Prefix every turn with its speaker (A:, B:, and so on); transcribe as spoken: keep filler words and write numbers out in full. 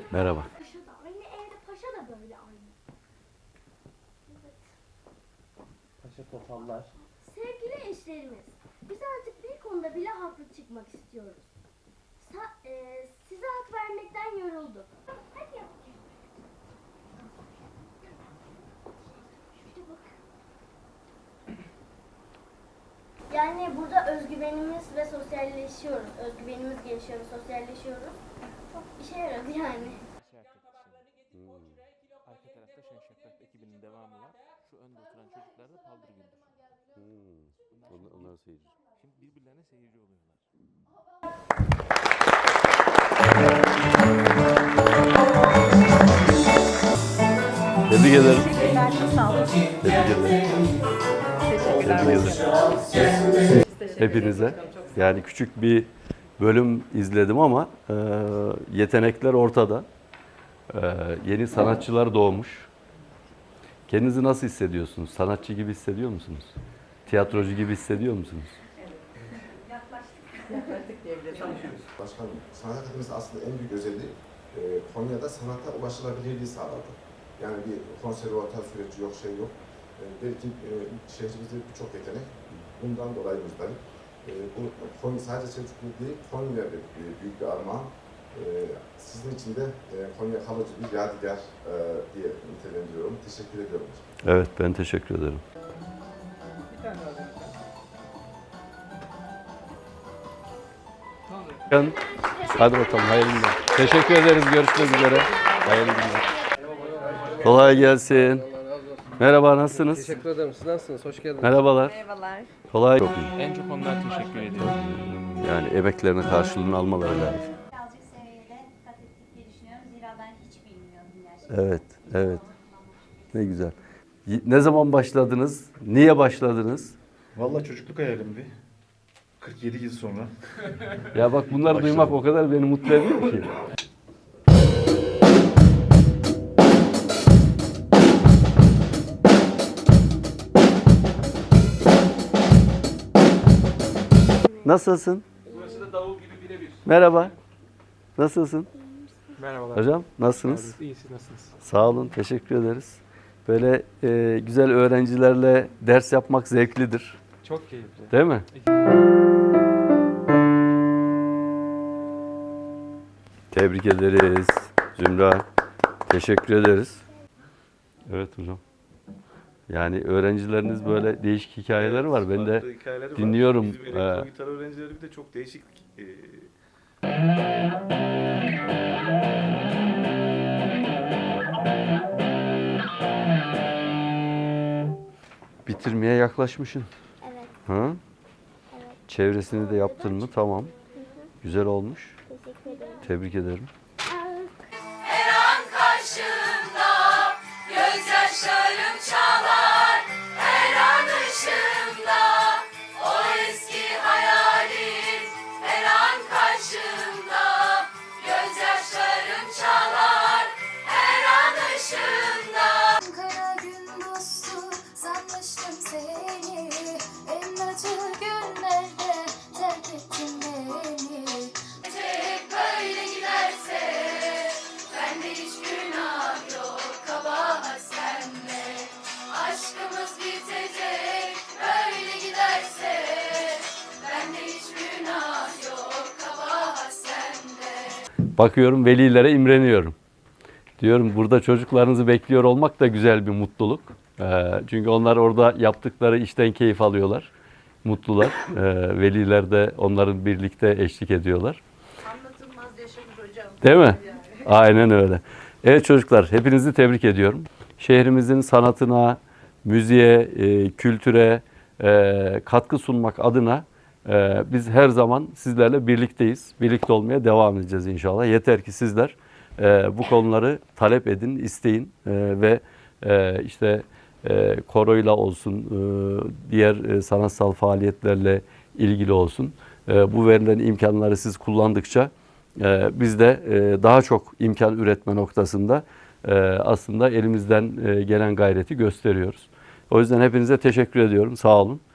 A: Merhaba.
B: Paşa da aynı, evde paşa da böyle aynı. Evet.
C: Paşa topallar.
B: Sevgili eşlerimiz, biz artık bir konuda bile haklı çıkmak istiyoruz. Sa e, size hak vermekten yorulduk. Hadi yap. Şöyle bak. Yani burada özgüvenimiz ve sosyalleşiyoruz. Özgüvenimiz gelişiyor ve sosyalleşiyoruz. Çok işe yaradı yani.
C: Hmm. Arka tarafta Şen Şakrak ekibinin devamı var. Şu önde oturan çocuklar da Paldır Güldür.
A: Hmm. Onlar, onlar seyirci.
C: Şimdi birbirlerine seyirci oluyorlar.
A: Tebrik ederim.
D: Teşekkürler, çok sağ olun.
A: Tebrik ederim.
D: Teşekkürler.
A: Tebrik ederim.
D: Teşekkür
A: Hepinize.
D: ederim, çok sağ olun.
A: Yani küçük bir bölüm izledim ama e, yetenekler ortada. E, yeni sanatçılar doğmuş. Kendinizi nasıl hissediyorsunuz? Sanatçı gibi hissediyor musunuz? Tiyatrocu gibi hissediyor musunuz?
D: Yaklaştık diyebiliriz.
E: Başkanım, sanat akademisi aslında en büyük özelliği e, Konya'da sanata ulaşılabilirliği sağladı. Yani bir konservatuar süreci yok, şey yok. E, belki e, şehrimizde birçok yetenek bundan dolayı muzdayım. E, bu Konya sadece Selçuklu değil, Konya'da bir, büyük bir armağan. E, sizin için de e, Konya kalıcı bir yadigar e, diye nitelendiriyorum. Teşekkür ediyorum.
A: Evet, ben teşekkür ederim.
D: Bir tane daha deneyeceğim.
A: Ben- Hadi bakalım, hayırlı günler. Teşekkür ederiz, görüşmek üzere. Hayırlı günler. Kolay gelsin. Merhaba, nasılsınız?
F: Teşekkür ederim. Siz nasılsınız? Hoş geldiniz.
A: Merhabalar.
D: Merhabalar.
A: Kolay. Çok iyi.
C: En çok onlar teşekkür ediyor.
A: Yani emeklerinin karşılığını almaları lazım.
G: Birazcık seviyede kat ettik diye düşünüyorum. Zira ben hiç bilmiyordum gerçekten.
A: Evet, evet. Ne güzel. Y- Ne zaman başladınız? Niye başladınız?
H: Vallahi çocukluk hayalimdi. kırk yedi yıl sonra.
A: Ya bak bunları
H: Başladım.
A: duymak o kadar beni mutlu ediyor ki. Nasılsın?
C: Burası da davul gibi birebir.
A: Merhaba. Nasılsın?
F: Merhabalar.
A: Hocam nasılsınız?
F: İyi, siz nasılsınız?
A: Sağ olun, teşekkür ederiz. Böyle e, güzel öğrencilerle ders yapmak zevklidir.
F: Çok keyifli.
A: Değil mi? Tebrik ederiz Zümra. Teşekkür ederiz. Evet hocam. Yani öğrencileriniz böyle değişik hikayeleri var. Ben de
H: Farklı hikayeleri var.
A: dinliyorum.
H: Bizim
A: Ee,
H: elektro gitar öğrencileri bir de çok değişik. e,
A: bitirmeye yaklaşmışsın.
B: Evet,
A: Ha?
B: evet.
A: Çevresini de yaptın mı? Tamam. Güzel olmuş.
B: Teşekkür ederim.
A: Tebrik ederim.
I: Her an karşımda gözyaşlarım çalar. Her an ışığımda o eski hayalin. Her an karşımda gözyaşlarım çalar. Her an ışığımda.
G: Kara gün dostu sanmıştım seni. En acı günlerde terk ettin beni.
I: Hep böyle giderse bende hiç günah yok, kabahat sende. Aşkımız bitecek böyle giderse bende hiç günah yok, kabahat sende.
A: Bakıyorum velilere imreniyorum. Diyorum burada çocuklarınızı bekliyor olmak da güzel bir mutluluk. Ee, çünkü onlar orada yaptıkları işten keyif alıyorlar. Mutlular. Ee, veliler de onların birlikte eşlik ediyorlar.
D: Anlatılmaz yaşamış hocam.
A: Değil mi? Aynen öyle. Evet çocuklar, hepinizi tebrik ediyorum. Şehrimizin sanatına, müziğe, e, kültüre e, katkı sunmak adına e, biz her zaman sizlerle birlikteyiz. Birlikte olmaya devam edeceğiz inşallah. Yeter ki sizler e, bu konuları talep edin, isteyin e, ve e, işte e, koroyla olsun, e, diğer e, sanatsal faaliyetlerle ilgili olsun. E, bu verilen imkanları siz kullandıkça Ee, biz de e, daha çok imkan üretme noktasında e, aslında elimizden e, gelen gayreti gösteriyoruz. O yüzden hepinize teşekkür ediyorum. Sağ olun.